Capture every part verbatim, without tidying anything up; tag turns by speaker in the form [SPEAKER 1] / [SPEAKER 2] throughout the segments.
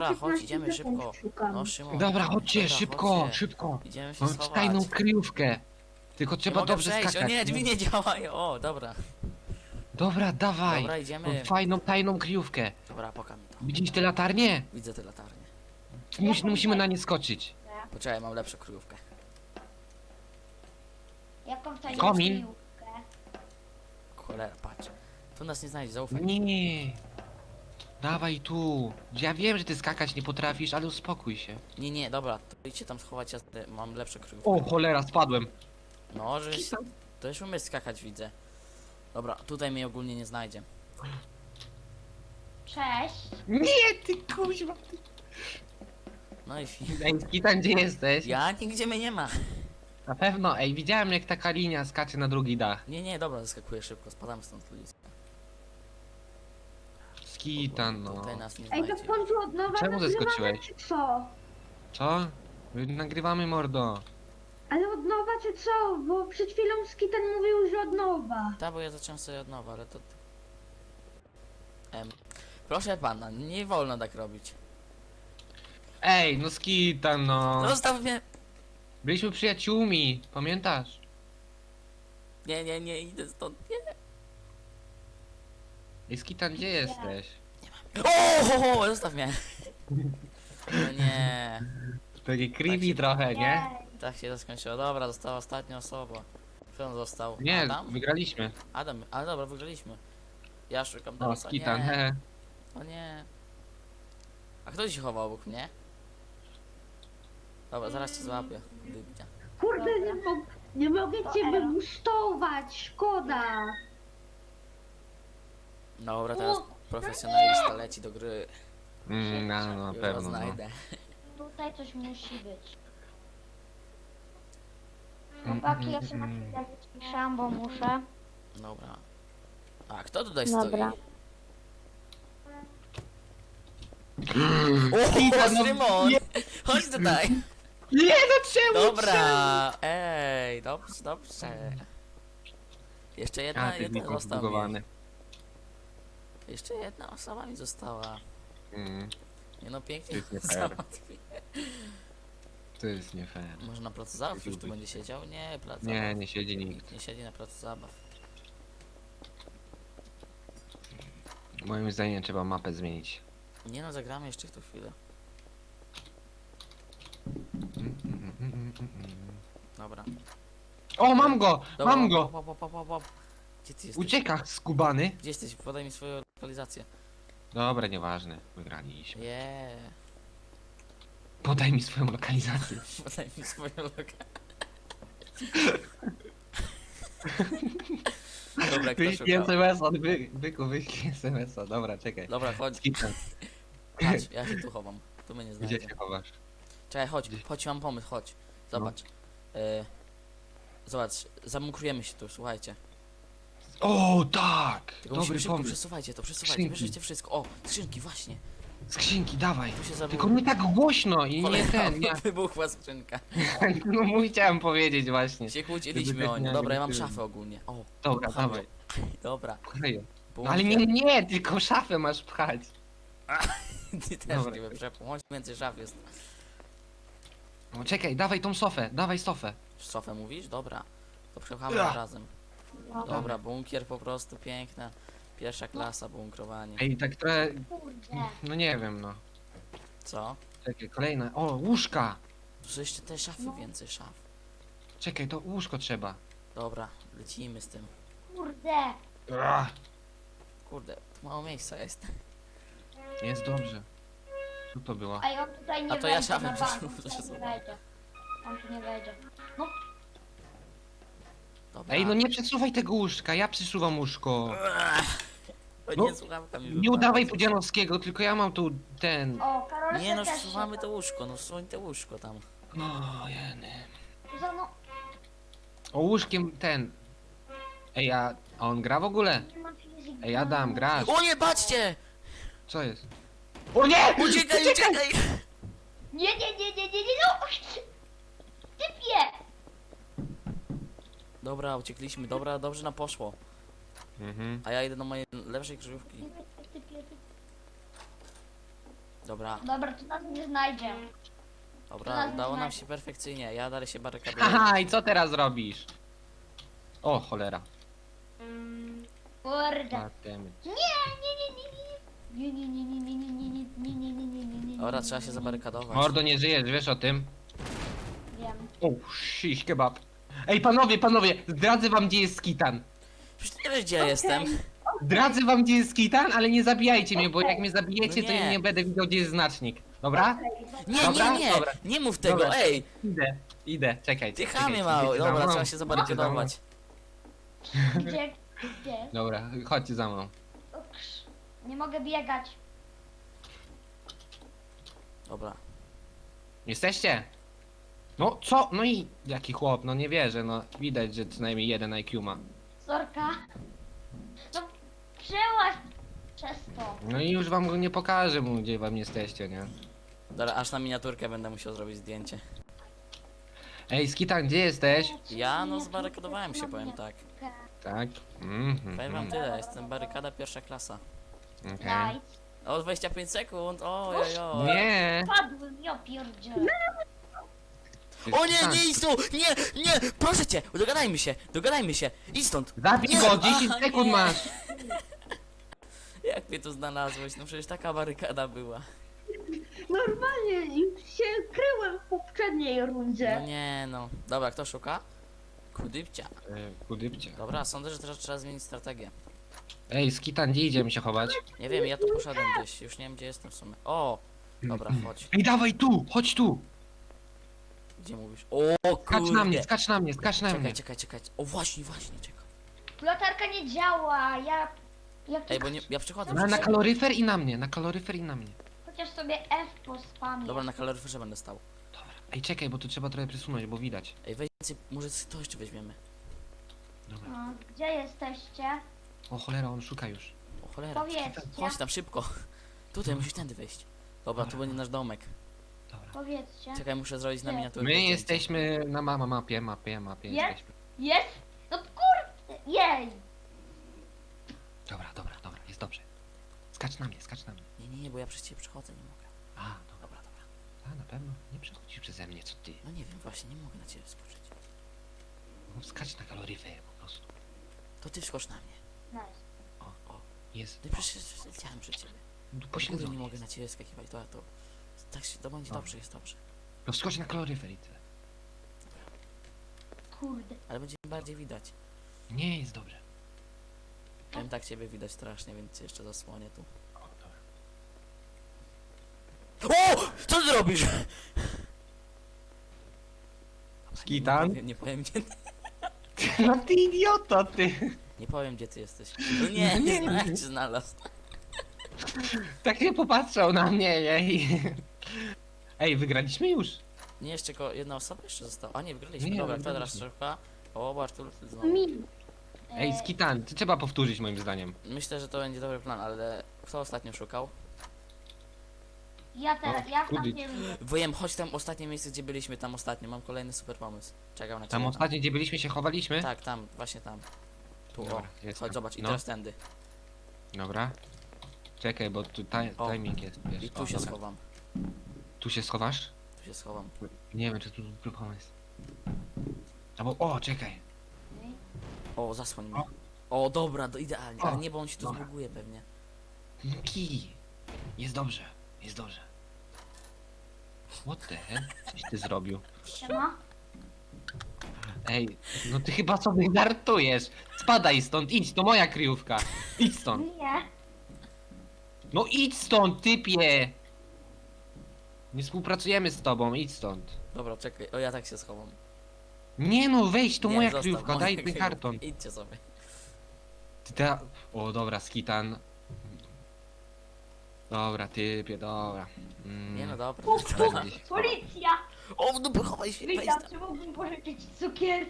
[SPEAKER 1] Dobra, chodź, idziemy
[SPEAKER 2] sekund
[SPEAKER 1] szybko.
[SPEAKER 2] szukam.
[SPEAKER 1] No Szymon.
[SPEAKER 3] Dobra, chodźcie,
[SPEAKER 1] Dobra,
[SPEAKER 3] szybko,
[SPEAKER 1] chodźcie.
[SPEAKER 3] szybko.
[SPEAKER 1] Idziemy się
[SPEAKER 3] Mam
[SPEAKER 1] schować.
[SPEAKER 3] tajną kryjówkę. Tylko
[SPEAKER 1] Nie
[SPEAKER 3] trzeba
[SPEAKER 1] mogę
[SPEAKER 3] dobrze
[SPEAKER 1] przejść.
[SPEAKER 3] skakać.
[SPEAKER 1] O nie, drzwi nie działają. O, dobra.
[SPEAKER 3] Dobra, dawaj.
[SPEAKER 1] Dobra,
[SPEAKER 3] Mam
[SPEAKER 1] idziemy.
[SPEAKER 3] fajną, tajną kryjówkę.
[SPEAKER 1] Dobra, pokaż mi to.
[SPEAKER 3] Widzisz te latarnie?
[SPEAKER 1] Widzę te latarnie.
[SPEAKER 3] Mus, musimy na nie skoczyć.
[SPEAKER 1] Poczekaj, mam lepszą kryjówkę.
[SPEAKER 2] Jaką tajną
[SPEAKER 3] Komin.
[SPEAKER 2] kryjówkę?
[SPEAKER 1] Cholera, patrz. Tu nas nie znajdzie, zaufaj.
[SPEAKER 3] Nie. Dawaj tu. Ja wiem, że ty skakać nie potrafisz, ale uspokój się.
[SPEAKER 1] Nie, nie, dobra, to idźcie tam schować, ja te- mam lepszą kryjówkę.
[SPEAKER 3] O, cholera, spadłem.
[SPEAKER 1] No, żeś... To już umiesz skakać, widzę. Dobra, tutaj mnie ogólnie nie znajdzie.
[SPEAKER 2] Cześć.
[SPEAKER 3] Nie, ty kuźwa. Ty...
[SPEAKER 1] No i fi...
[SPEAKER 3] Ej, Skitan, gdzie jesteś?
[SPEAKER 1] Ja? Nigdzie mnie nie ma.
[SPEAKER 3] Na pewno, ej, widziałem jak taka linia skacze na drugi dach.
[SPEAKER 1] Nie, nie, dobra, zaskakuję szybko, spadamy stąd ludzie.
[SPEAKER 3] Skitan, no.
[SPEAKER 1] Tutaj nas nie
[SPEAKER 2] Ej, to
[SPEAKER 1] znajdzie.
[SPEAKER 2] w końcu od nowa
[SPEAKER 3] Czemu
[SPEAKER 2] nagrywamy,
[SPEAKER 3] zeskoczyłeś?
[SPEAKER 2] czy co?
[SPEAKER 3] Co? My nagrywamy, mordo.
[SPEAKER 2] Ale od nowa czy co? Bo przed chwilą Skitan mówił, że od nowa.
[SPEAKER 1] Tak, bo ja zacząłem sobie od nowa, ale to... Em, proszę pana, nie wolno tak robić.
[SPEAKER 3] Ej, no Skitan, no.
[SPEAKER 1] Zostaw mnie!
[SPEAKER 3] Byliśmy przyjaciółmi, pamiętasz?
[SPEAKER 1] Nie, nie, nie, idę stąd, nie.
[SPEAKER 3] Ej, Skitan, gdzie jesteś?
[SPEAKER 1] O, ho, ho, zostaw mnie! No nie,
[SPEAKER 3] Taki creepy
[SPEAKER 1] Tak się-
[SPEAKER 3] trochę, nie?
[SPEAKER 1] tak się to skończyło. Dobra, została ostatnia osoba. Kto on został?
[SPEAKER 3] Nie,
[SPEAKER 1] Adam?
[SPEAKER 3] wygraliśmy.
[SPEAKER 1] Adam, ale dobra, wygraliśmy. Ja szukam
[SPEAKER 3] O,
[SPEAKER 1] teraz.
[SPEAKER 3] Skitan,
[SPEAKER 1] nie.
[SPEAKER 3] he.
[SPEAKER 1] O nie. A kto się chował obok mnie? Dobra, zaraz cię złapię. Dybcia.
[SPEAKER 2] Kurde, nie, mo nie mogę cię wybustować, szkoda.
[SPEAKER 1] Dobra, teraz profesjonalista leci do gry.
[SPEAKER 3] Mm, no, no, na
[SPEAKER 1] Już go
[SPEAKER 3] pewno, no.
[SPEAKER 1] znajdę.
[SPEAKER 2] Tutaj coś musi być.
[SPEAKER 3] Mm,
[SPEAKER 2] Chłopaki, ja
[SPEAKER 3] mm,
[SPEAKER 2] się na
[SPEAKER 3] mm.
[SPEAKER 2] chwilę wyciszam, bo muszę.
[SPEAKER 1] Dobra. A kto tutaj
[SPEAKER 2] Dobra.
[SPEAKER 1] stoi? O,
[SPEAKER 3] no
[SPEAKER 1] Szymon! Chodź tutaj!
[SPEAKER 3] Nie, no czemu?
[SPEAKER 1] Dobra! Ej, dobrze, dobrze. Jeszcze
[SPEAKER 3] A,
[SPEAKER 1] jedna,
[SPEAKER 3] ty
[SPEAKER 1] jedna
[SPEAKER 3] Niko
[SPEAKER 1] została mi.
[SPEAKER 3] zbugowany.
[SPEAKER 1] Jeszcze jedna osoba mi została.
[SPEAKER 3] Mm,
[SPEAKER 1] Nie no,
[SPEAKER 3] To
[SPEAKER 1] pięknie
[SPEAKER 3] jest nie fair.
[SPEAKER 1] załatwię.
[SPEAKER 3] to jest nie fair.
[SPEAKER 1] Może na placu zabaw już tu będzie siedział? Nie, plac
[SPEAKER 3] Nie,
[SPEAKER 1] zabaw.
[SPEAKER 3] nie siedzi nikt.
[SPEAKER 1] Nikt nie siedzi na placu zabaw.
[SPEAKER 3] Moim zdaniem trzeba mapę zmienić.
[SPEAKER 1] Nie no, zagramy jeszcze w tą chwilę.
[SPEAKER 3] Mm, mm, mm, mm, mm.
[SPEAKER 1] Dobra.
[SPEAKER 3] O, mam go!
[SPEAKER 1] Dobra,
[SPEAKER 3] Mam go!
[SPEAKER 1] Łap, łap, łap, łap, łap. Gdzie ty jesteś?
[SPEAKER 3] Ucieka, skubany.
[SPEAKER 1] Gdzie jesteś? Podaj mi swoją lokalizację.
[SPEAKER 3] Dobra, nieważne. Wygraliśmy.
[SPEAKER 1] Jeee.
[SPEAKER 3] Podaj mi swoją lokalizację.
[SPEAKER 1] Podaj mi swoją lokalizację. Dobra, kto
[SPEAKER 3] Wyślij
[SPEAKER 1] szukał?
[SPEAKER 3] es em es a, wy, byku, wyślij es em es a. Dobra, czekaj.
[SPEAKER 1] Dobra, chodź.
[SPEAKER 3] Skitan,
[SPEAKER 1] Chodź, ja się tu chowam. Tu mnie nie
[SPEAKER 3] gdzie
[SPEAKER 1] znajdzie.
[SPEAKER 3] się chowasz?
[SPEAKER 1] Czekaj, chodź, chodź, mam pomysł, chodź. Zobacz. E, zobacz, zamukrujemy się tu, słuchajcie.
[SPEAKER 3] O, tak!
[SPEAKER 1] Tylko musimy
[SPEAKER 3] Dobry
[SPEAKER 1] szybko,
[SPEAKER 3] pomysł.
[SPEAKER 1] przesuwajcie to, przesuwajcie,
[SPEAKER 3] Skrzynki.
[SPEAKER 1] bierzecie wszystko. O, skrzynki, właśnie.
[SPEAKER 3] Skrzynki, dawaj.
[SPEAKER 1] Tu się zabu...
[SPEAKER 3] Tylko nie tak głośno i nie
[SPEAKER 1] Cholera,
[SPEAKER 3] ten, nie.
[SPEAKER 1] wybuchła skrzynka.
[SPEAKER 3] No mój chciałem powiedzieć właśnie.
[SPEAKER 1] Się kłóciliśmy
[SPEAKER 3] Żeby
[SPEAKER 1] o
[SPEAKER 3] tak
[SPEAKER 1] nie.
[SPEAKER 3] nie
[SPEAKER 1] Dobra, ja mam
[SPEAKER 3] agresywnie.
[SPEAKER 1] szafę ogólnie. O,
[SPEAKER 3] Dobra,
[SPEAKER 1] pcham
[SPEAKER 3] dawaj.
[SPEAKER 1] ją. Dobra.
[SPEAKER 3] Kleję. No
[SPEAKER 1] bunkier.
[SPEAKER 3] ale nie, nie, tylko szafę masz pchać.
[SPEAKER 1] Ty też
[SPEAKER 3] Dobra.
[SPEAKER 1] nie wyprzepł. Chodź, więcej szaf jest.
[SPEAKER 3] No czekaj, dawaj tą sofę, dawaj sofę.
[SPEAKER 1] Sofę mówisz? Dobra. To przepchamy
[SPEAKER 3] Ja.
[SPEAKER 1] razem. Dobra, bunkier po prostu piękna. Pierwsza klasa bunkrowanie.
[SPEAKER 3] Ej, tak trochę,
[SPEAKER 2] Kurde.
[SPEAKER 3] no nie wiem, no.
[SPEAKER 1] Co?
[SPEAKER 3] Czekaj, kolejna. O, łóżka.
[SPEAKER 1] Tu są jeszcze te szafy,
[SPEAKER 2] No.
[SPEAKER 1] więcej szaf.
[SPEAKER 3] Czekaj, to łóżko trzeba.
[SPEAKER 1] Dobra, lecimy z tym.
[SPEAKER 2] Kurde.
[SPEAKER 3] Ach,
[SPEAKER 1] Kurde, tu mało miejsca jest.
[SPEAKER 3] jest dobrze. Co to było?
[SPEAKER 2] A ja tutaj nie
[SPEAKER 1] A to ja
[SPEAKER 2] wejdzie
[SPEAKER 1] szafę
[SPEAKER 2] na bank,
[SPEAKER 1] przesuwam,
[SPEAKER 2] on tutaj
[SPEAKER 1] przesuwam.
[SPEAKER 2] nie wejdzie. On tu nie wejdzie. No,
[SPEAKER 1] Dobra.
[SPEAKER 3] Ej, no nie przesuwaj tego łóżka, ja przesuwam łóżko.
[SPEAKER 1] O
[SPEAKER 3] no,
[SPEAKER 1] nie, słuchawka mi
[SPEAKER 3] Nie
[SPEAKER 1] wypadła.
[SPEAKER 3] udawaj Pudzianowskiego, tylko ja mam tu ten...
[SPEAKER 2] o, Karol
[SPEAKER 1] Nie no,
[SPEAKER 2] też
[SPEAKER 1] wsuwamy
[SPEAKER 2] się-
[SPEAKER 1] to łóżko, no wsuń te łóżko tam.
[SPEAKER 3] O, jeny.
[SPEAKER 2] Za no,
[SPEAKER 3] O, łóżkiem ten... Ej, a a on gra w ogóle?
[SPEAKER 2] nie ma fizyki.
[SPEAKER 3] Ej, Adam, grasz.
[SPEAKER 1] O nie, patrzcie!
[SPEAKER 3] Co jest? O nie!
[SPEAKER 1] Uciekaj, uciekaj!
[SPEAKER 2] Nie, nie, nie, nie, nie, nie, no! Typie!
[SPEAKER 1] Dobra, uciekliśmy, dobra, dobrze nam poszło.
[SPEAKER 3] Mhm.
[SPEAKER 1] A ja idę do mojej lepszej krzyżówki.
[SPEAKER 2] Typie, typie, typie.
[SPEAKER 1] Dobra,
[SPEAKER 2] Dobra, to nas nie znajdzie.
[SPEAKER 1] dobra,
[SPEAKER 2] Teraz
[SPEAKER 1] udało nam
[SPEAKER 2] znajdę.
[SPEAKER 1] się perfekcyjnie. Ja dalej się barykaduję.
[SPEAKER 3] Haha, i co teraz robisz? O, cholera.
[SPEAKER 2] Kurde.
[SPEAKER 3] God damn it.
[SPEAKER 2] Nie, nie, nie, nie, nie. Nie, nie, nie, nie, nie, nie, nie, nie, nie, nie, nie, nie, nie, nie.
[SPEAKER 1] Dobra, trzeba się zabarykadować.
[SPEAKER 3] Mordo, nie żyjesz, wiesz o tym?
[SPEAKER 2] Wiem.
[SPEAKER 3] O, shish kebab. Ej, panowie, panowie, zdradzę wam, gdzie jest Skitan.
[SPEAKER 1] Przecież ty wiesz, gdzie ja jestem.
[SPEAKER 3] Zdradzę wam, gdzie jest Skitan, ale nie zabijajcie mnie, bo jak mnie zabijecie,
[SPEAKER 1] No
[SPEAKER 3] to
[SPEAKER 1] nie.
[SPEAKER 3] ja nie będę widział, gdzie jest znacznik. Dobra?
[SPEAKER 1] Nie,
[SPEAKER 3] Dobra,
[SPEAKER 1] nie, nie,
[SPEAKER 3] dobra.
[SPEAKER 1] nie mów tego,
[SPEAKER 3] Dobra.
[SPEAKER 1] ej!
[SPEAKER 3] Idę, idę, czekaj.
[SPEAKER 1] Ty
[SPEAKER 3] czekaj,
[SPEAKER 1] chamie mały,
[SPEAKER 3] idźcie za
[SPEAKER 1] dobra,
[SPEAKER 3] mną.
[SPEAKER 1] trzeba się zabarykadować.
[SPEAKER 2] Gdzie? Gdzie?
[SPEAKER 3] Dobra, chodźcie za mną.
[SPEAKER 2] Uks. Nie mogę biegać.
[SPEAKER 1] Dobra.
[SPEAKER 3] Jesteście? No co? No i jaki chłop, no nie wierzę, no widać, że co najmniej jeden I Q ma.
[SPEAKER 2] Sorka. No, przełaź przez to.
[SPEAKER 3] No i już wam go nie pokażę mu, gdzie wam jesteście, nie?
[SPEAKER 1] Dobra, aż na miniaturkę będę musiał zrobić zdjęcie.
[SPEAKER 3] Ej, Skitan, gdzie zjesteś?
[SPEAKER 1] Ja no zbarykadowałem się, powiem tak.
[SPEAKER 3] Tak. Mhm.
[SPEAKER 1] Powiem wam tyle, jestem barykada pierwsza klasa.
[SPEAKER 3] Okej.
[SPEAKER 2] Nice.
[SPEAKER 1] O, dwadzieścia pięć sekund, oj, oj.
[SPEAKER 3] Nie!
[SPEAKER 2] Padłem, ja pierdzielę.
[SPEAKER 1] O nie,
[SPEAKER 3] Skitan,
[SPEAKER 1] nie idź tu! Nie, nie! Proszę cię! Dogadajmy się! Dogadajmy się! Idź stąd!
[SPEAKER 3] Zabij
[SPEAKER 1] Nie.
[SPEAKER 3] go, dziesięć
[SPEAKER 1] Aha,
[SPEAKER 3] sekund
[SPEAKER 1] nie.
[SPEAKER 3] masz!
[SPEAKER 1] Jak mnie tu znalazłeś? No przecież taka barykada była.
[SPEAKER 2] Normalnie już się kryłem w poprzedniej
[SPEAKER 1] No
[SPEAKER 2] rundzie.
[SPEAKER 1] nie no. Dobra, kto szuka? Kudybcia.
[SPEAKER 3] E, Kudybcie.
[SPEAKER 1] Dobra, sądzę, że teraz trzeba zmienić strategię.
[SPEAKER 3] Ej, Skitan, gdzie idziemy się chować?
[SPEAKER 1] Nie wiem, ja tu poszedłem gdzieś. Już nie wiem, gdzie jestem w sumie. O! Dobra, chodź.
[SPEAKER 3] Ej, dawaj tu, chodź tu!
[SPEAKER 1] Gdzie mówisz? O
[SPEAKER 3] Skacz na mnie,
[SPEAKER 1] kurde!
[SPEAKER 3] skacz na mnie, skacz na mnie.
[SPEAKER 1] Czekaj, czekaj, czekaj. O właśnie, właśnie, czekaj.
[SPEAKER 2] Latarka nie działa, ja... ja
[SPEAKER 1] Ej, bo nie, ja przychodzę.
[SPEAKER 3] Na, na
[SPEAKER 1] przecież.
[SPEAKER 3] kaloryfer i na mnie, na kaloryfer i na mnie.
[SPEAKER 2] Chociaż sobie F pospamię.
[SPEAKER 1] Dobra, na kaloryferze będę stał.
[SPEAKER 3] Dobra. Ej, czekaj, bo tu trzeba trochę przesunąć, bo widać.
[SPEAKER 1] Ej, weź więcej, może to jeszcze weźmiemy.
[SPEAKER 3] Dobra.
[SPEAKER 2] No, gdzie jesteście?
[SPEAKER 3] O cholera, on szuka już.
[SPEAKER 1] O cholera.
[SPEAKER 2] Powiedzcie.
[SPEAKER 1] Chodź tam szybko. Tutaj musisz tędy wejść. Dobra, tu będzie nasz domek.
[SPEAKER 3] Dobra.
[SPEAKER 2] Powiedzcie.
[SPEAKER 1] Czekaj, muszę zrobić na
[SPEAKER 2] Gdzie?
[SPEAKER 1] miniaturkę.
[SPEAKER 3] My
[SPEAKER 1] zdjęcie.
[SPEAKER 3] jesteśmy na ma ma mapie, mapie, mapie
[SPEAKER 2] Jest?
[SPEAKER 3] jesteśmy.
[SPEAKER 2] Jest? No kurde, jej!
[SPEAKER 3] Dobra, dobra, dobra, jest dobrze. Skacz na mnie, skacz na mnie.
[SPEAKER 1] Nie, nie, nie, bo ja przez ciebie przychodzę, nie mogę.
[SPEAKER 3] A, dobra,
[SPEAKER 1] Dobra, dobra.
[SPEAKER 3] a na pewno nie przechodzisz przeze mnie, co ty.
[SPEAKER 1] No nie wiem, właśnie, nie mogę na ciebie skoczyć.
[SPEAKER 3] No, skacz na kaloryfer po prostu.
[SPEAKER 1] To ty wskocz na mnie.
[SPEAKER 2] Nice.
[SPEAKER 1] O, o.
[SPEAKER 3] Jest.
[SPEAKER 1] No i przecież leciałem przed ciebie.
[SPEAKER 3] Tu
[SPEAKER 1] Po
[SPEAKER 3] pośledzony
[SPEAKER 1] nie mogę
[SPEAKER 3] jest.
[SPEAKER 1] na ciebie skakiwać, to, to, tak się, to będzie
[SPEAKER 3] Dobra.
[SPEAKER 1] dobrze, jest dobrze.
[SPEAKER 3] No skocz na kaloryfer i tyle.
[SPEAKER 2] Kurde.
[SPEAKER 1] Ale będzie bardziej widać.
[SPEAKER 3] Nie, jest dobrze.
[SPEAKER 1] Wiem, tak ciebie widać strasznie, więc cię jeszcze zasłonię tu.
[SPEAKER 3] O, dobra.
[SPEAKER 1] O! Co ty robisz?
[SPEAKER 3] Skitan?
[SPEAKER 1] Nie powiem, nie powiem gdzie,
[SPEAKER 3] No ty idiota, ty.
[SPEAKER 1] nie powiem gdzie ty jesteś. No nie, nie, nie, jak cię znalazł.
[SPEAKER 3] Tak nie popatrzał na mnie, ej. Ej, wygraliśmy już.
[SPEAKER 1] Nie, jeszcze tylko jedna osoba jeszcze została. A nie, wygraliśmy.
[SPEAKER 3] Nie,
[SPEAKER 1] Dobra, kto teraz
[SPEAKER 3] wygraliśmy.
[SPEAKER 1] szuka? O, Bartul znowu.
[SPEAKER 2] Mi.
[SPEAKER 3] Ej,
[SPEAKER 2] E,
[SPEAKER 3] Skitan, to trzeba powtórzyć moim zdaniem.
[SPEAKER 1] Myślę, że to będzie dobry plan, ale kto ostatnio szukał?
[SPEAKER 2] Ja teraz, ja w
[SPEAKER 3] kudy.
[SPEAKER 2] tamtej rundzie.
[SPEAKER 1] Wiem, chodź tam ostatnie miejsce, gdzie byliśmy tam ostatnio. Mam kolejny super pomysł. Czekam na ciebie.
[SPEAKER 3] Tam ostatnio, gdzie byliśmy, się chowaliśmy?
[SPEAKER 1] Tak, tam, właśnie tam. Tu,
[SPEAKER 3] Dobra,
[SPEAKER 1] o.
[SPEAKER 3] jest
[SPEAKER 1] Chodź,
[SPEAKER 3] tam.
[SPEAKER 1] zobacz, i
[SPEAKER 3] No.
[SPEAKER 1] teraz tędy.
[SPEAKER 3] Dobra. Czekaj, bo tu ti
[SPEAKER 1] O.
[SPEAKER 3] timing jest, wiesz.
[SPEAKER 1] I tu
[SPEAKER 3] O,
[SPEAKER 1] się
[SPEAKER 3] dobra.
[SPEAKER 1] schowam.
[SPEAKER 3] Tu się schowasz?
[SPEAKER 1] Tu się schowam.
[SPEAKER 3] Nie wiem, czy tu dobry pomysł. Albo, o, czekaj.
[SPEAKER 1] O, zasłoń mnie. O, dobra, do, idealnie.
[SPEAKER 3] O,
[SPEAKER 1] Ale nie, bo on się tu
[SPEAKER 3] dobra.
[SPEAKER 1] zbuguje pewnie.
[SPEAKER 3] Kij. Jest dobrze, jest dobrze. What the hell? Coś ty zrobił.
[SPEAKER 2] Siema.
[SPEAKER 3] Ej, no ty chyba sobie żartujesz. Spadaj stąd, idź, to moja kryjówka. Idź stąd.
[SPEAKER 2] Nie.
[SPEAKER 3] No idź stąd, typie! Nie współpracujemy z tobą, idź stąd.
[SPEAKER 1] Dobra, czekaj. O, ja tak się schowam.
[SPEAKER 3] Nie no, wejdź, to
[SPEAKER 1] Nie,
[SPEAKER 3] moja
[SPEAKER 1] zostaw,
[SPEAKER 3] kryjówka,
[SPEAKER 1] moja
[SPEAKER 3] daj ten
[SPEAKER 1] kryjówka.
[SPEAKER 3] karton.
[SPEAKER 1] Idźcie sobie.
[SPEAKER 3] Ty ta... O, dobra, skitan. Dobra, typie, dobra. Mm.
[SPEAKER 1] Nie no, dobra.
[SPEAKER 2] Puk, puk.
[SPEAKER 3] Będzie-
[SPEAKER 2] Policja!
[SPEAKER 1] O, w dupę, chowaj się, wejdź
[SPEAKER 2] Witam,
[SPEAKER 1] tam.
[SPEAKER 2] czy mógłbym pożyczyć cukier?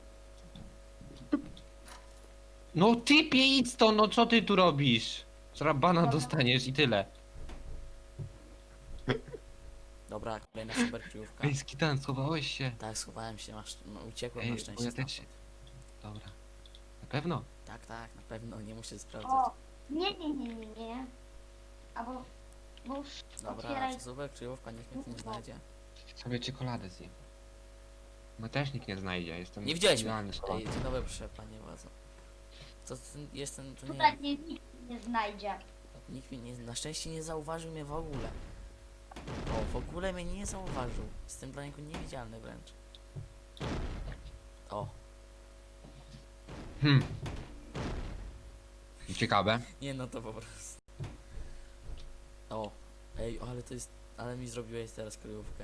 [SPEAKER 3] No typie, idź stąd, no co ty tu robisz? Zrabana
[SPEAKER 2] Dobra.
[SPEAKER 3] dostaniesz i tyle.
[SPEAKER 1] Dobra, kolejna super kryjówka.
[SPEAKER 3] Ej, skitan, schowałeś się.
[SPEAKER 1] Tak, schowałem się, masz, no, uciekłem
[SPEAKER 3] Ej,
[SPEAKER 1] na
[SPEAKER 3] bo
[SPEAKER 1] szczęście.
[SPEAKER 3] ja też się...
[SPEAKER 1] stamtąd.
[SPEAKER 3] Dobra. Na pewno?
[SPEAKER 1] Tak, tak, na pewno, nie muszę sprawdzać.
[SPEAKER 2] O, nie, nie, nie, nie, nie. Albo... No już
[SPEAKER 1] Dobra,
[SPEAKER 2] otwieraj.
[SPEAKER 1] czasówek, kryjówka, nikt mnie tu nie znajdzie.
[SPEAKER 3] Sobie czekoladę zjem. No też nikt nie znajdzie, jestem
[SPEAKER 1] Nie widziałeś mnie.
[SPEAKER 3] idealny schowany.
[SPEAKER 1] Ej, dzień dobry, proszę panie władzo. To ten, jestem, to nie
[SPEAKER 2] Tutaj nie, nikt nie znajdzie.
[SPEAKER 1] nikt mnie nie, na szczęście nie zauważył mnie w ogóle. O, w ogóle mnie nie zauważył. Jestem dla niego niewidzialny wręcz. O,
[SPEAKER 3] Hmm. Ciekawe.
[SPEAKER 1] nie no to po prostu. O, ej, ale to jest, ale mi zrobiłeś teraz kryjówkę.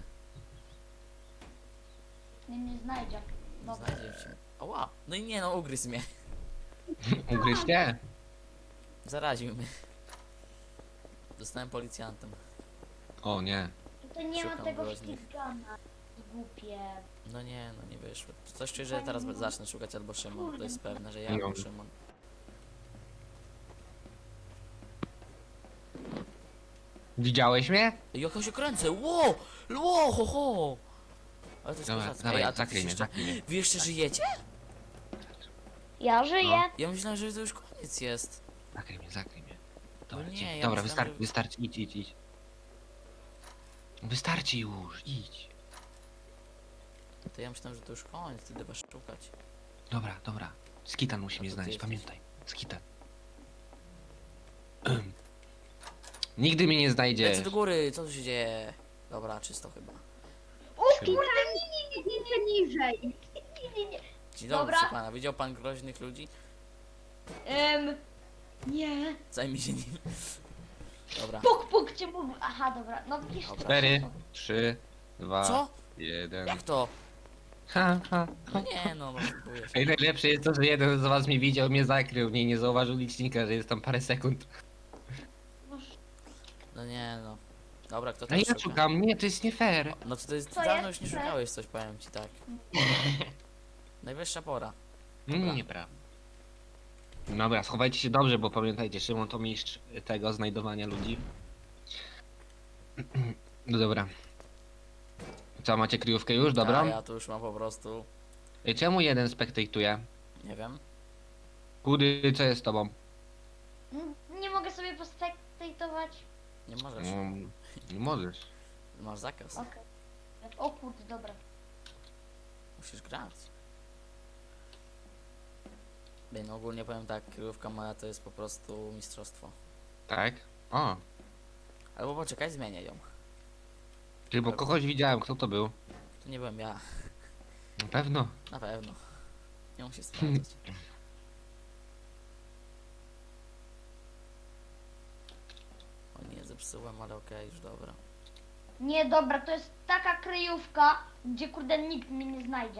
[SPEAKER 2] Nie, nie znajdzie.
[SPEAKER 1] Nie
[SPEAKER 2] Dobra.
[SPEAKER 1] znajdzie cię. Oła, no i nie no, ugryzł mnie.
[SPEAKER 3] Ugryźcie?
[SPEAKER 1] Zaraził mnie. Zostałem policjantem.
[SPEAKER 3] O nie.
[SPEAKER 2] Tutaj nie ma
[SPEAKER 1] Szukam
[SPEAKER 2] tego
[SPEAKER 1] groźnych.
[SPEAKER 2] ścigana. Głupie.
[SPEAKER 1] No nie, no nie wyszło. Coś czuję, że teraz zacznę szukać albo Szymon. To jest pewne, że ja
[SPEAKER 3] No.
[SPEAKER 1] albo Szymon.
[SPEAKER 3] Widziałeś mnie?
[SPEAKER 1] Ej, jak ja się kręcę! Ło! Ło, ho, ho! Ale to jest
[SPEAKER 3] Dobra,
[SPEAKER 1] kozackie.
[SPEAKER 3] dawaj,
[SPEAKER 1] Ej, a ty
[SPEAKER 3] zakryj mnie,
[SPEAKER 1] jeszcze...
[SPEAKER 3] zakryj mnie.
[SPEAKER 1] Wy jeszcze żyjecie?
[SPEAKER 2] Ja żyję.
[SPEAKER 3] No.
[SPEAKER 1] Ja myślałem, że to już koniec jest.
[SPEAKER 3] Zakryj mnie, zakryj mnie. Dobra,
[SPEAKER 1] No nie,
[SPEAKER 3] dzięki.
[SPEAKER 1] ja
[SPEAKER 3] Dobra
[SPEAKER 1] myślałem,
[SPEAKER 3] wystarczy,
[SPEAKER 1] że-
[SPEAKER 3] wystarczy, idź, idź, idź. Wystarczy już, idź.
[SPEAKER 1] To ja myślałem, że to już koniec, wtedy was szukać.
[SPEAKER 3] Dobra, dobra. Skitan musi
[SPEAKER 1] A
[SPEAKER 3] mnie
[SPEAKER 1] to ty
[SPEAKER 3] znaleźć,
[SPEAKER 1] jesteś.
[SPEAKER 3] pamiętaj. Skitan. Nigdy mnie nie znajdziesz.
[SPEAKER 1] Lecę do góry, co tu się dzieje? Dobra, czysto chyba.
[SPEAKER 2] O kurde, nie, nie, nie, nie, nie, niżej. Nie, nie, nie.
[SPEAKER 1] Dzień dobry,
[SPEAKER 2] Dobra.
[SPEAKER 1] proszę pana. Widział pan groźnych ludzi?
[SPEAKER 2] Em, nie.
[SPEAKER 1] Zajmij się nim. Dobra.
[SPEAKER 2] Puk, puk cię mówi. Aha, dobra. No widzisz.
[SPEAKER 1] Dobra.
[SPEAKER 3] Cztery, trzy, dwa,
[SPEAKER 1] Co?
[SPEAKER 3] jeden.
[SPEAKER 1] Jak to?
[SPEAKER 3] Ha, ha,
[SPEAKER 1] No
[SPEAKER 3] ha.
[SPEAKER 1] nie, no, no, próbuję się.
[SPEAKER 3] Ej, najlepsze jest to, że jeden z was mnie widział, mnie zakrył, mnie nie zauważył licznika, że jest tam parę sekund.
[SPEAKER 1] No nie, no. Dobra, kto
[SPEAKER 3] A
[SPEAKER 1] tam
[SPEAKER 3] ja
[SPEAKER 1] szuka?
[SPEAKER 3] szukam, nie, to jest nie fair.
[SPEAKER 1] No to, to jest,
[SPEAKER 2] Co
[SPEAKER 1] dawno
[SPEAKER 2] jest?
[SPEAKER 1] już nie szukałeś coś, powiem ci tak. Najwyższa pora.
[SPEAKER 3] Mm, nieprawda. Dobra, schowajcie się dobrze, bo pamiętajcie, Szymon to mistrz tego znajdowania ludzi. No dobra. Co, macie kryjówkę już? Dobra.
[SPEAKER 1] A ja tu już mam po prostu,
[SPEAKER 3] Ej, czemu jeden spektatuje?
[SPEAKER 1] nie wiem.
[SPEAKER 3] Kudy, co jest z tobą?
[SPEAKER 2] Mm, Nie mogę sobie pospektatować.
[SPEAKER 1] Nie możesz.
[SPEAKER 3] Mm, nie możesz.
[SPEAKER 1] Masz zakaz.
[SPEAKER 2] Okej. O kurde, dobra.
[SPEAKER 1] Musisz grać. Ej, no ogólnie powiem tak, kryjówka moja to jest po prostu mistrzostwo.
[SPEAKER 3] Tak? O,
[SPEAKER 1] Albo poczekaj, zmienię ją.
[SPEAKER 3] ty, bo kogoś widziałem, kto to był?
[SPEAKER 1] To nie byłem ja,
[SPEAKER 3] Na pewno.
[SPEAKER 1] na pewno. Nie musi sprawdzać. O nie, zepsułem, ale okej, już dobra.
[SPEAKER 2] Nie, dobra, to jest taka kryjówka, gdzie kurde nikt mnie nie znajdzie.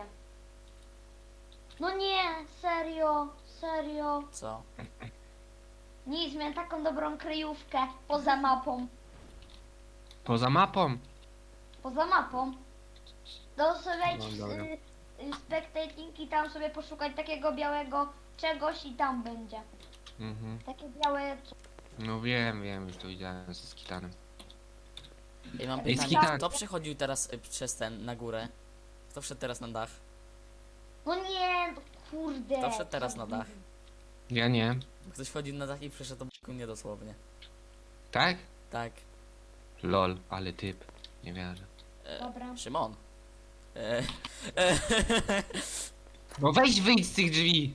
[SPEAKER 2] No nie, serio, serio.
[SPEAKER 1] Co?
[SPEAKER 2] Nic, miałem taką dobrą kryjówkę poza mapą.
[SPEAKER 3] Poza mapą.
[SPEAKER 2] Poza mapą. To sobie wejdź
[SPEAKER 3] No
[SPEAKER 2] w
[SPEAKER 3] dobra.
[SPEAKER 2] y, y, spectating i tam sobie poszukać takiego białego czegoś i tam będzie.
[SPEAKER 3] Mhm.
[SPEAKER 2] Takie białe... co-
[SPEAKER 3] No wiem, wiem, już to widziałem ze skitanem.
[SPEAKER 1] Ej, mam
[SPEAKER 3] Ej,
[SPEAKER 1] pytanie,
[SPEAKER 3] Skitan.
[SPEAKER 1] kto przechodził teraz y, przez ten, na górę? Kto wszedł teraz na dach?
[SPEAKER 2] No nie, no kurde.
[SPEAKER 1] Kto wszedł teraz na dach?
[SPEAKER 3] Ja nie.
[SPEAKER 1] Ktoś wchodził na dach i przeszedł obok mnie dosłownie.
[SPEAKER 3] Tak?
[SPEAKER 1] Tak.
[SPEAKER 3] Lol, ale typ. Nie wierzę.
[SPEAKER 1] E,
[SPEAKER 2] Dobra.
[SPEAKER 1] Szymon. E, e,
[SPEAKER 3] No weź wyjdź z tych drzwi.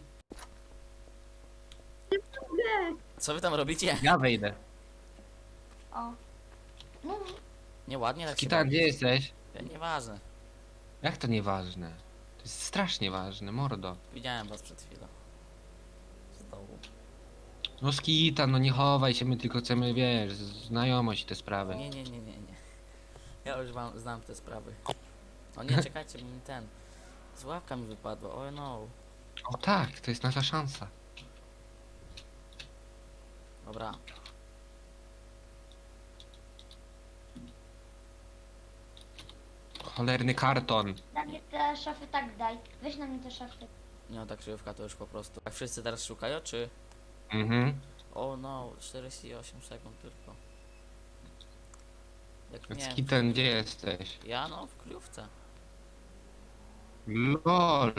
[SPEAKER 1] co wy tam robicie?
[SPEAKER 3] Ja wejdę.
[SPEAKER 2] O. No,
[SPEAKER 1] Nieładnie tak się
[SPEAKER 3] Skitan, gdzie
[SPEAKER 1] bawicie.
[SPEAKER 3] jesteś?
[SPEAKER 1] E, Nieważne.
[SPEAKER 3] Jak to nieważne? To jest strasznie ważne, mordo.
[SPEAKER 1] Widziałem was przed chwilą. Z dołu.
[SPEAKER 3] No Skitan, no nie chowaj się, my tylko chcemy, wiesz, znajomość i te sprawy.
[SPEAKER 1] Nie, nie, nie, nie, nie. Ja już wam znam te sprawy. O nie, czekajcie, bo mi ten. Z łapka mi wypadła, oh no.
[SPEAKER 3] O tak, to jest nasza szansa.
[SPEAKER 1] Dobra.
[SPEAKER 3] Cholerny karton.
[SPEAKER 2] na mnie te szafy tak daj. Weź na mnie te szafy.
[SPEAKER 1] Nie no, ta krzyżówka to już po prostu. Jak wszyscy teraz szukają, czy?
[SPEAKER 3] Mhm.
[SPEAKER 1] O no, czterdzieści osiem sekund tylko. Jak nie.
[SPEAKER 3] Skitan, gdzie jesteś?
[SPEAKER 1] Ja no, w kryjówce.
[SPEAKER 3] Lol.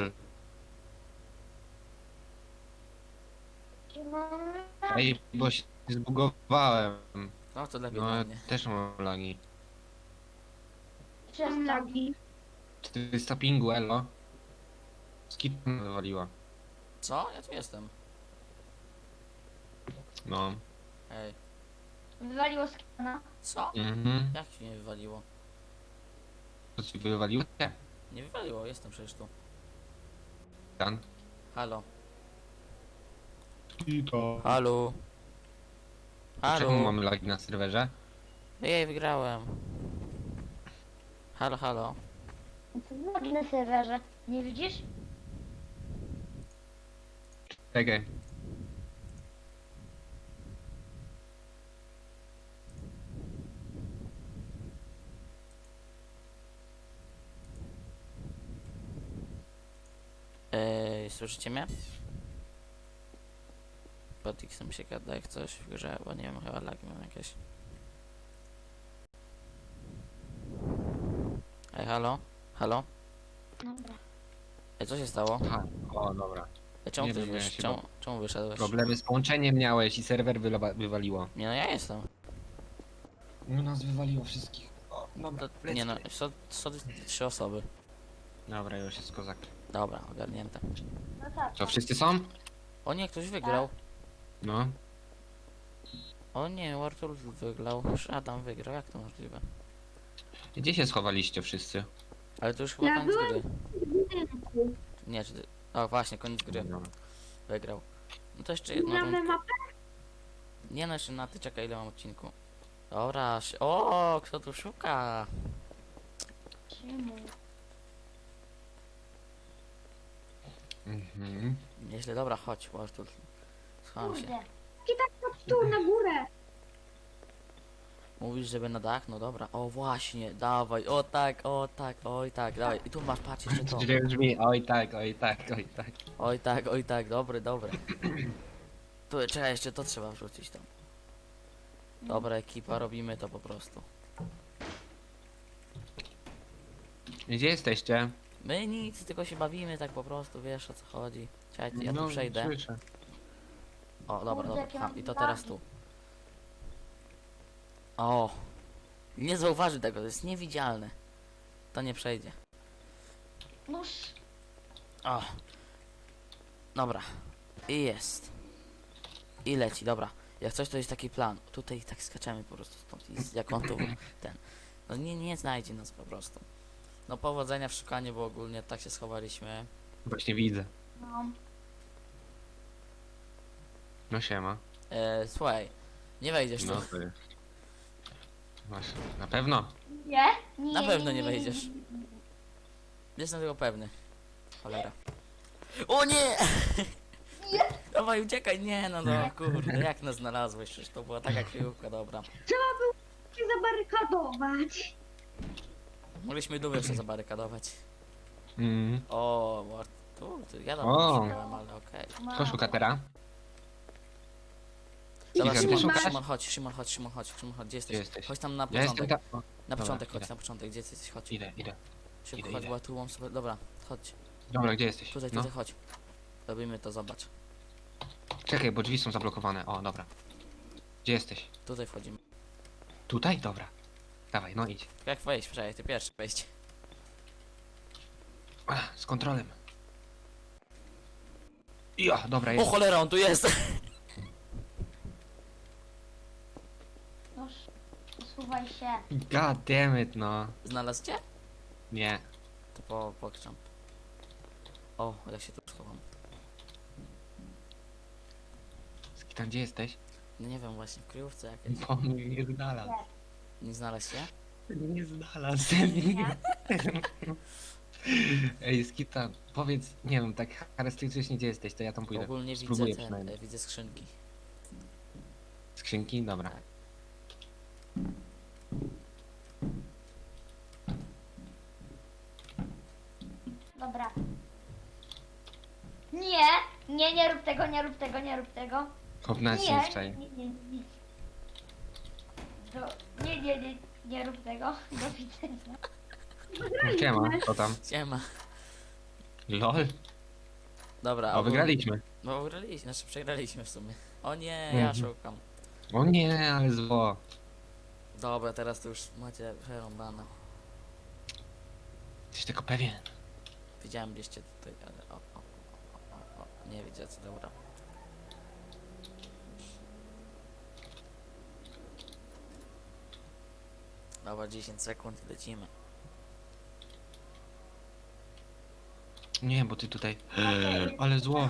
[SPEAKER 3] Ej, bo się zbugowałem.
[SPEAKER 1] No to lepiej
[SPEAKER 3] No
[SPEAKER 1] dla
[SPEAKER 3] ja
[SPEAKER 1] mnie.
[SPEAKER 3] też mam lagi.
[SPEAKER 2] Przez
[SPEAKER 4] Mam
[SPEAKER 2] co?
[SPEAKER 4] lagi.
[SPEAKER 3] czterysta pingu, elo. Skip mnie wywaliła.
[SPEAKER 1] Co? Ja tu jestem.
[SPEAKER 3] No.
[SPEAKER 1] Ej.
[SPEAKER 2] Wywaliło skana.
[SPEAKER 1] Co?
[SPEAKER 3] Mhm.
[SPEAKER 1] Jak się nie wywaliło?
[SPEAKER 3] To ci wywaliło? Nie.
[SPEAKER 1] Nie wywaliło, jestem przecież tu.
[SPEAKER 3] Dan.
[SPEAKER 1] Halo.
[SPEAKER 3] Kito.
[SPEAKER 1] Halo.
[SPEAKER 3] Czemu
[SPEAKER 1] Halo.
[SPEAKER 3] mamy lagi na serwerze?
[SPEAKER 1] Jej, wygrałem. Halo, halo.
[SPEAKER 2] Co na serwerze? Nie widzisz?
[SPEAKER 3] Czekaj.
[SPEAKER 1] Ej, słyszycie mnie? Pod X-em się gada jak coś w grze, bo nie wiem, chyba lagi mam jakieś. Ej, halo? Halo?
[SPEAKER 2] Dobra.
[SPEAKER 1] Ej, co się stało?
[SPEAKER 3] Aha. O, dobra.
[SPEAKER 1] Ej, czemu
[SPEAKER 3] Nie
[SPEAKER 1] ktoś
[SPEAKER 3] wiem, ja
[SPEAKER 1] wysz...
[SPEAKER 3] się
[SPEAKER 1] czemu, czemu wyszedłeś?
[SPEAKER 3] Problemy z połączeniem miałeś i serwer wyla- wywaliło.
[SPEAKER 1] Nie no, ja jestem.
[SPEAKER 3] No nas wywaliło wszystkich. O, dobra,
[SPEAKER 1] To, nie no, są, są trzy osoby.
[SPEAKER 3] Dobra, już jest kozak.
[SPEAKER 1] Dobra, ogarnięte.
[SPEAKER 2] No tak.
[SPEAKER 3] Co, wszyscy są?
[SPEAKER 1] O nie, ktoś wygrał.
[SPEAKER 3] No.
[SPEAKER 1] O nie, Artur wygrał. Już Adam wygrał, jak to możliwe?
[SPEAKER 3] Gdzie się schowaliście wszyscy?
[SPEAKER 1] Ale to już chyba
[SPEAKER 4] Ja
[SPEAKER 1] koniec
[SPEAKER 4] byłem-
[SPEAKER 1] gry.
[SPEAKER 4] W budynku.
[SPEAKER 1] Nie, czy ty... O właśnie, koniec gry.
[SPEAKER 3] Dobra.
[SPEAKER 1] Wygrał. No to jeszcze jedno
[SPEAKER 4] Gramy
[SPEAKER 1] rundkę.
[SPEAKER 4] mapę.
[SPEAKER 1] Nie no, jeszcze na ty czekaj, ile mam odcinku. Dobra, szy- o, kto tu szuka?
[SPEAKER 2] Czemu?
[SPEAKER 3] Mhm.
[SPEAKER 1] Nieźle, dobra, chodź, Artur. Schowam się.
[SPEAKER 2] Kurde.
[SPEAKER 4] I tak chodź tu na górę.
[SPEAKER 1] Mówisz, żeby na dach? No dobra. O właśnie, dawaj, o tak, o tak, oj tak, dawaj. I tu masz, patrz jeszcze to.
[SPEAKER 3] Źle brzmi, oj tak, oj tak, oj tak.
[SPEAKER 1] Oj tak, oj tak, dobry, dobry. Tu, czekaj, jeszcze to trzeba wrzucić tam. Dobra ekipa, robimy to po prostu.
[SPEAKER 3] Gdzie jesteście?
[SPEAKER 1] My nic, tylko się bawimy tak po prostu, wiesz o co chodzi. Czekaj, ja tu
[SPEAKER 3] No,
[SPEAKER 1] przejdę.
[SPEAKER 3] Słyszę.
[SPEAKER 1] O, dobra,
[SPEAKER 2] Kurde,
[SPEAKER 1] dobra,
[SPEAKER 2] jakie
[SPEAKER 1] ha,
[SPEAKER 2] mam
[SPEAKER 1] i to
[SPEAKER 2] lagi.
[SPEAKER 1] teraz tu. O! Nie zauważy tego, to jest niewidzialne. To nie przejdzie.
[SPEAKER 2] Noż.
[SPEAKER 1] O! Dobra. I jest. I leci, dobra. Jak coś to jest taki plan. Tutaj tak skaczemy po prostu stąd. I z- jak on tu ten. No nie, nie znajdzie nas po prostu. No powodzenia w szukaniu, bo ogólnie tak się schowaliśmy.
[SPEAKER 3] Właśnie widzę.
[SPEAKER 2] No.
[SPEAKER 3] No siema.
[SPEAKER 1] E, słuchaj, nie wejdziesz
[SPEAKER 3] No
[SPEAKER 1] tu.
[SPEAKER 3] to jest. Właśnie. Na pewno?
[SPEAKER 2] Nie? Nie.
[SPEAKER 1] Na pewno nie wejdziesz. Jestem tego pewny. Cholera. O nie! Dawaj, uciekaj, nie no, no kurde, jak nas znalazłeś, przecież to była taka kryjówka, dobra.
[SPEAKER 4] Trzeba było się zabarykadować.
[SPEAKER 1] Mogliśmy dół jeszcze zabarykadować.
[SPEAKER 3] Mm.
[SPEAKER 1] O, Mart- tu, tu ja tam
[SPEAKER 3] O.
[SPEAKER 1] szukałem, ale okej.
[SPEAKER 3] Kto szuka teraz?
[SPEAKER 1] Dobra,
[SPEAKER 3] Iga, ty
[SPEAKER 1] Szymon,
[SPEAKER 3] szukasz?
[SPEAKER 1] Szymon, chodź, Szymon, chodź, Szymon, chodź, Szymon, chodź, gdzie jesteś?
[SPEAKER 3] Gdzie jesteś?
[SPEAKER 1] Chodź tam na
[SPEAKER 3] Ja jestem
[SPEAKER 1] początek,
[SPEAKER 3] tam. O,
[SPEAKER 1] na
[SPEAKER 3] dobra,
[SPEAKER 1] początek,
[SPEAKER 3] idę.
[SPEAKER 1] chodź na początek, gdzie jesteś, chodź.
[SPEAKER 3] Idę, idę.
[SPEAKER 1] Szybko,
[SPEAKER 3] idę,
[SPEAKER 1] chodź,
[SPEAKER 3] idę.
[SPEAKER 1] bo tu mam sobie, dobra, chodź,
[SPEAKER 3] Dobra, gdzie jesteś?
[SPEAKER 1] tutaj,
[SPEAKER 3] No.
[SPEAKER 1] tutaj, chodź. Robimy to, zobacz.
[SPEAKER 3] Czekaj, bo drzwi są zablokowane. O, dobra. Gdzie jesteś?
[SPEAKER 1] Tutaj wchodzimy.
[SPEAKER 3] Tutaj? Dobra. Dawaj, no idź.
[SPEAKER 1] Tylko jak wejść, przecież ty pierwszy wejść.
[SPEAKER 3] Ach, z kontrolem. Ja, dobra,
[SPEAKER 1] O
[SPEAKER 3] jest.
[SPEAKER 1] cholera, on tu jest!
[SPEAKER 2] Noż. Usuwaj się.
[SPEAKER 3] God damn it, no.
[SPEAKER 1] Znalazł cię?
[SPEAKER 3] Nie.
[SPEAKER 1] To po, pokrzam. O, ja się tu schowam.
[SPEAKER 3] Skitan, gdzie jesteś?
[SPEAKER 1] No nie wiem, właśnie w kryjówce jakiejś.
[SPEAKER 3] Bo mnie nie znalazł.
[SPEAKER 1] Nie znalazł się?
[SPEAKER 3] Nie znalazł. Ej, Skitan, powiedz, nie wiem, tak charakterystycznie gdzie jesteś, to ja tam pójdę.
[SPEAKER 1] Ogólnie widzę
[SPEAKER 3] Spróbuję
[SPEAKER 1] ten,
[SPEAKER 3] przynajmniej.
[SPEAKER 1] e, widzę skrzynki.
[SPEAKER 3] Skrzynki? Dobra.
[SPEAKER 1] Tak.
[SPEAKER 2] Dobra. Nie, nie, nie rób tego, nie rób tego, nie rób tego.
[SPEAKER 3] Kopnąć się
[SPEAKER 2] Nie,
[SPEAKER 3] wczoraj.
[SPEAKER 2] nie, nie, nie. Do, nie, nie, nie, nie rób tego. Do widzenia.
[SPEAKER 3] Siema, co tam?
[SPEAKER 1] Siema.
[SPEAKER 3] LOL?
[SPEAKER 1] Dobra,
[SPEAKER 3] O,
[SPEAKER 1] ogólnie-
[SPEAKER 3] wygraliśmy.
[SPEAKER 1] No wygraliśmy, znaczy przegraliśmy w sumie. O nie,
[SPEAKER 3] Mhm.
[SPEAKER 1] ja szukam.
[SPEAKER 3] O nie, ale zło.
[SPEAKER 1] Dobra, teraz to już macie przerąbane.
[SPEAKER 3] Jesteś tylko pewien.
[SPEAKER 1] Widziałem gdzieście tutaj, ale o, o, o, o, o. Nie widzicie, dobra. Dobra, dziesięć sekund, lecimy.
[SPEAKER 3] Nie, bo ty tutaj... Ale zło.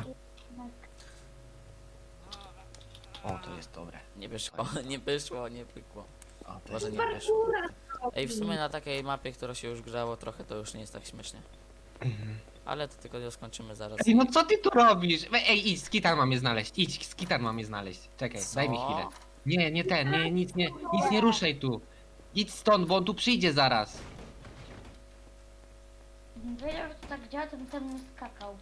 [SPEAKER 3] O, to jest dobre.
[SPEAKER 1] Nie wyszło, nie wyszło, nie pykło.
[SPEAKER 3] O, to
[SPEAKER 1] Może
[SPEAKER 3] jest...
[SPEAKER 1] nie
[SPEAKER 4] Super
[SPEAKER 1] wyszło.
[SPEAKER 4] góra.
[SPEAKER 1] Ej, w sumie na takiej mapie, która się już grzało trochę, to już nie jest tak śmiesznie.
[SPEAKER 3] Mhm.
[SPEAKER 1] Ale to tylko skończymy zaraz.
[SPEAKER 3] Ej, no co ty tu robisz? Ej, ej, idź, skitar mam je znaleźć. Idź, skitar mam je znaleźć. Czekaj,
[SPEAKER 1] Co?
[SPEAKER 3] daj mi chwilę. Nie, nie ten, nie, nic nie, nic nie ruszaj tu. Idź stąd, bo on tu przyjdzie zaraz.
[SPEAKER 2] Gdybym wiedział, że to tak działa, to bym tam nie skakał.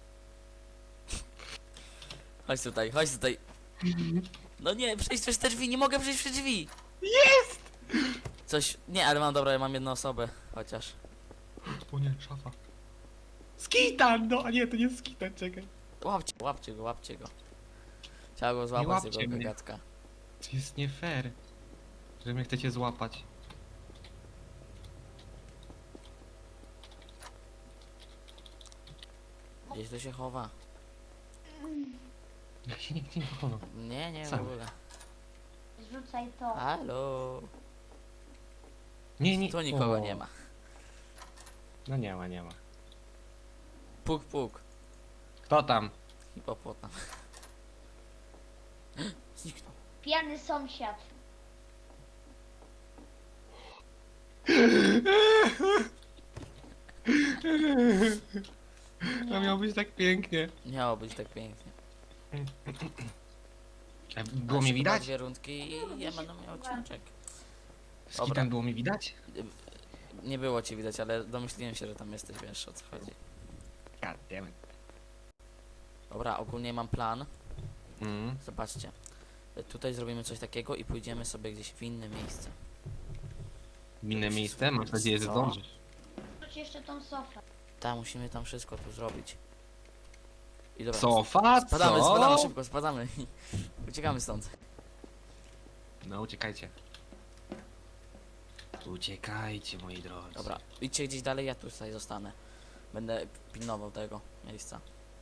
[SPEAKER 1] Chodź tutaj, chodź tutaj. No nie, przejść przez te drzwi, nie mogę przejść przez drzwi.
[SPEAKER 3] Jest!
[SPEAKER 1] Coś, nie, ale mam, dobra, ja mam jedną osobę, chociaż.
[SPEAKER 3] O nie, szafa. Skitar, no, a nie, to nie skitar, czekaj.
[SPEAKER 1] Łapcie, łapcie go, łapcie go. Trzeba go złapać z
[SPEAKER 3] łapcie
[SPEAKER 1] jego
[SPEAKER 3] mnie.
[SPEAKER 1] gagatka.
[SPEAKER 3] To jest nie fair, że mnie chcecie złapać.
[SPEAKER 1] Gdzieś tu się chowa.
[SPEAKER 3] Ja się nigdzie nie chowam.
[SPEAKER 1] Nie, nie, w
[SPEAKER 3] Sam.
[SPEAKER 1] ogóle.
[SPEAKER 2] Zrzucaj to.
[SPEAKER 1] Halo.
[SPEAKER 3] Nie, nie.
[SPEAKER 1] Tu nikogo
[SPEAKER 3] o.
[SPEAKER 1] nie ma.
[SPEAKER 3] No nie ma, nie ma.
[SPEAKER 1] Puk, puk.
[SPEAKER 3] Kto tam?
[SPEAKER 1] Hipopotam. Zniknął.
[SPEAKER 2] Pijany sąsiad.
[SPEAKER 3] To miało być tak pięknie.
[SPEAKER 1] Miało być tak pięknie.
[SPEAKER 3] A było
[SPEAKER 1] Aż
[SPEAKER 3] mnie
[SPEAKER 1] chyba
[SPEAKER 3] widać?
[SPEAKER 1] Dwie rundki i ja będę miał odcineczek.
[SPEAKER 3] Skitan było mi widać?
[SPEAKER 1] Nie było cię widać, ale domyśliłem się, że tam jesteś, wiesz o co chodzi.
[SPEAKER 3] God damn it.
[SPEAKER 1] Dobra, ogólnie mam plan.
[SPEAKER 3] Mm.
[SPEAKER 1] Zobaczcie. Tutaj zrobimy coś takiego i pójdziemy sobie gdzieś w inne miejsce.
[SPEAKER 3] W inne miejsce? Mam nadzieję, że
[SPEAKER 1] Co?
[SPEAKER 3] zdążysz.
[SPEAKER 2] Wrzuć jeszcze tą sofę.
[SPEAKER 1] Tak, musimy tam wszystko tu zrobić. I dobra.
[SPEAKER 3] Sofa,
[SPEAKER 1] Spadamy,
[SPEAKER 3] co?
[SPEAKER 1] spadamy szybko, spadamy. Uciekamy stąd.
[SPEAKER 3] No uciekajcie. Uciekajcie, moi drodzy.
[SPEAKER 1] Dobra, idźcie gdzieś dalej, ja tutaj zostanę. Będę pilnował tego miejsca.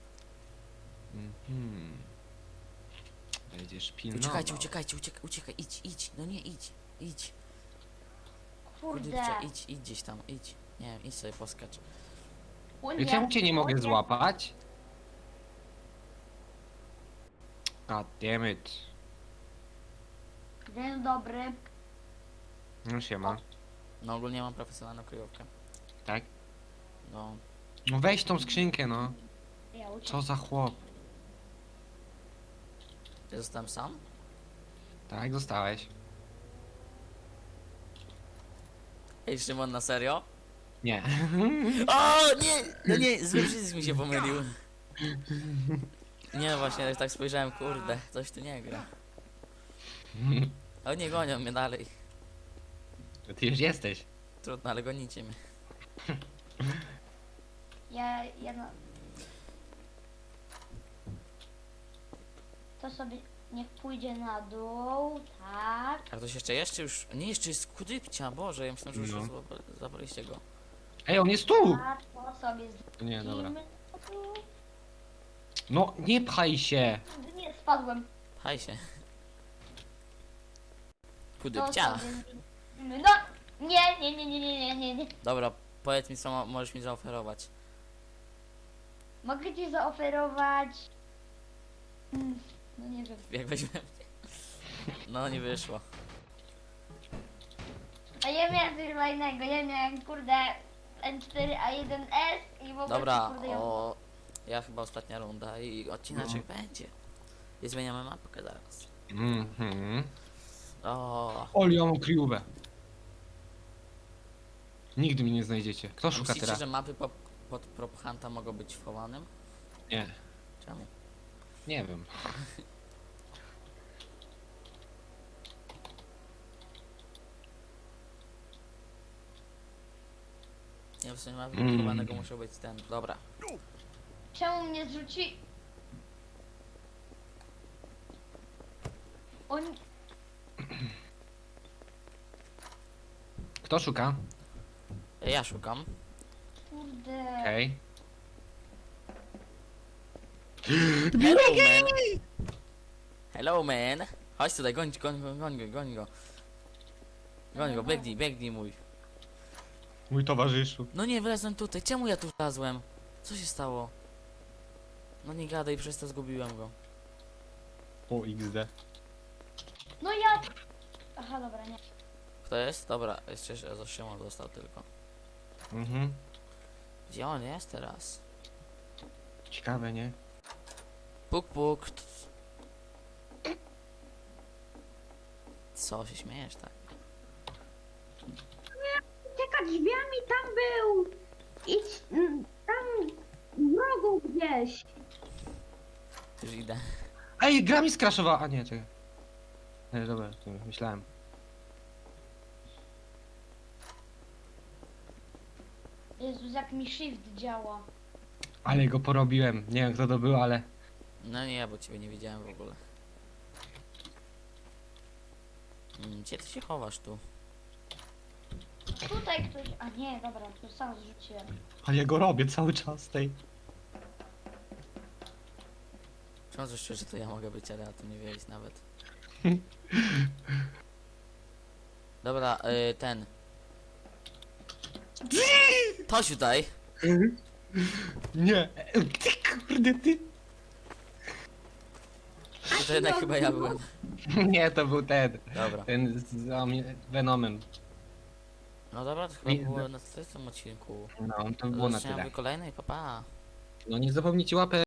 [SPEAKER 3] Mhm. Będziesz pilnował.
[SPEAKER 1] Uciekajcie, uciekajcie, uciekaj, uciekaj, idź, idź, no nie idź, idź.
[SPEAKER 2] Kurde.
[SPEAKER 1] Kurde, idź, idź gdzieś tam, idź. Nie wiem, idź sobie poskacz.
[SPEAKER 3] I czemu cię nie mogę
[SPEAKER 2] Płynie.
[SPEAKER 3] złapać? God damn it.
[SPEAKER 2] Dzień dobry.
[SPEAKER 3] No siema.
[SPEAKER 1] No ogólnie mam profesjonalną kryjówkę.
[SPEAKER 3] Tak?
[SPEAKER 1] No,
[SPEAKER 3] No weź tą skrzynkę, no.
[SPEAKER 2] Ja uciekam.
[SPEAKER 3] Co za chłop.
[SPEAKER 1] ja zostałem sam?
[SPEAKER 3] Tak, zostałeś.
[SPEAKER 1] Ej, Szymon, na serio?
[SPEAKER 3] Nie.
[SPEAKER 1] O, nie! No nie, zły przycisk mi się pomylił. Nie, właśnie, tak spojrzałem, kurde, coś tu nie gra. O, nie gonią mnie dalej.
[SPEAKER 3] Ty już jesteś.
[SPEAKER 1] Trudno, ale gonicie mnie.
[SPEAKER 2] Ja, ja no... To sobie niech pójdzie na dół, tak.
[SPEAKER 1] A ktoś jeszcze jest, czy już? Nie, jeszcze jest Kudybcia, Boże, ja myślałem, że już
[SPEAKER 3] No.
[SPEAKER 1] złapa- zabraliście go.
[SPEAKER 3] Ej, on jest tu!
[SPEAKER 2] Tak, to sobie
[SPEAKER 3] Nie, dobra.
[SPEAKER 2] zrzucimy.
[SPEAKER 3] No, nie pchaj się.
[SPEAKER 2] Nie, spadłem.
[SPEAKER 1] Pchaj się.
[SPEAKER 2] To
[SPEAKER 1] Kudybcia.
[SPEAKER 2] sobie zrzucimy. No! Nie, nie, nie, nie, nie, nie, nie, nie.
[SPEAKER 1] Dobra, powiedz mi, co mo- możesz mi zaoferować.
[SPEAKER 2] Mogę ci zaoferować... Mm, No nie wiem.
[SPEAKER 1] Jak weźmiemy. No, nie wyszło.
[SPEAKER 2] A ja miałem coś fajnego, ja miałem kurde N cztery A jeden S i w ogóle
[SPEAKER 1] Dobra,
[SPEAKER 2] kurde ją...
[SPEAKER 1] o... Ja chyba ostatnia runda i odcineczek będzie. I zmieniamy mapkę zaraz.
[SPEAKER 3] Mhm.
[SPEAKER 1] O,
[SPEAKER 3] Oli, ja mam kryjówę. Nigdy mnie nie znajdziecie. Kto
[SPEAKER 1] a
[SPEAKER 3] szuka
[SPEAKER 1] myślicie,
[SPEAKER 3] teraz?
[SPEAKER 1] że mapy po, pod Prop Hunta mogą być chowanym?
[SPEAKER 3] Nie.
[SPEAKER 1] Czemu?
[SPEAKER 3] Nie wiem.
[SPEAKER 1] Nie, w sumie mapy
[SPEAKER 3] Mm.
[SPEAKER 1] chowanego muszą być ten. Dobra.
[SPEAKER 2] Czemu mnie zrzuci... On...
[SPEAKER 3] Kto szuka?
[SPEAKER 1] Ja szukam.
[SPEAKER 2] Kurde.
[SPEAKER 3] Okej.
[SPEAKER 1] Hello man! Hello man! Chodź tutaj, goń, goń, goń, goń go, goń go. Goń go, biegnij, biegnij mój.
[SPEAKER 3] Mój towarzyszu.
[SPEAKER 1] No nie, wylezłem tutaj. Czemu ja tu wlazłem? Co się stało? No nie gadaj, przez to zgubiłem go.
[SPEAKER 3] O, iks de.
[SPEAKER 2] No ja... Aha, dobra, nie.
[SPEAKER 1] Kto jest? Dobra, jeszcze się- Szymon został tylko.
[SPEAKER 3] Mhm.
[SPEAKER 1] Gdzie on jest teraz?
[SPEAKER 3] Ciekawe, nie?
[SPEAKER 1] Puk, puk. Co się śmiejesz, tak?
[SPEAKER 4] Ucieka drzwiami, tam był. Idź mm, tam w rogu gdzieś.
[SPEAKER 1] Już idę.
[SPEAKER 3] Ej, gra mi skraszowała. A nie, czekaj. Nie, dobra, to myślałem.
[SPEAKER 2] Jezus, jak mi shift działa.
[SPEAKER 3] Ale go porobiłem. Nie wiem kto to był, ale...
[SPEAKER 1] No nie, bo ciebie nie widziałem w ogóle. Mm, Gdzie ty się chowasz tu?
[SPEAKER 2] Tutaj ktoś... A nie, dobra, to sam zrzuciłem.
[SPEAKER 3] Ale ja go robię cały czas tej.
[SPEAKER 1] Przychodzę szczerze, że to ja mogę być, ale na to nie wiedzieć nawet. Dobra, y, ten. Chodź tutaj.
[SPEAKER 3] Nie. Ty kurde, ty.
[SPEAKER 1] To jednak chyba ja byłem.
[SPEAKER 3] Nie, to był ten.
[SPEAKER 1] Dobra.
[SPEAKER 3] Ten z z Venomem.
[SPEAKER 1] No dobra, to chyba
[SPEAKER 3] Nie,
[SPEAKER 1] było
[SPEAKER 3] no.
[SPEAKER 1] na tym odcinku.
[SPEAKER 3] No, to było na
[SPEAKER 1] Zobaczymy
[SPEAKER 3] tyle.
[SPEAKER 1] w kolejnej, pa pa.
[SPEAKER 3] No nie zapomnijcie łapę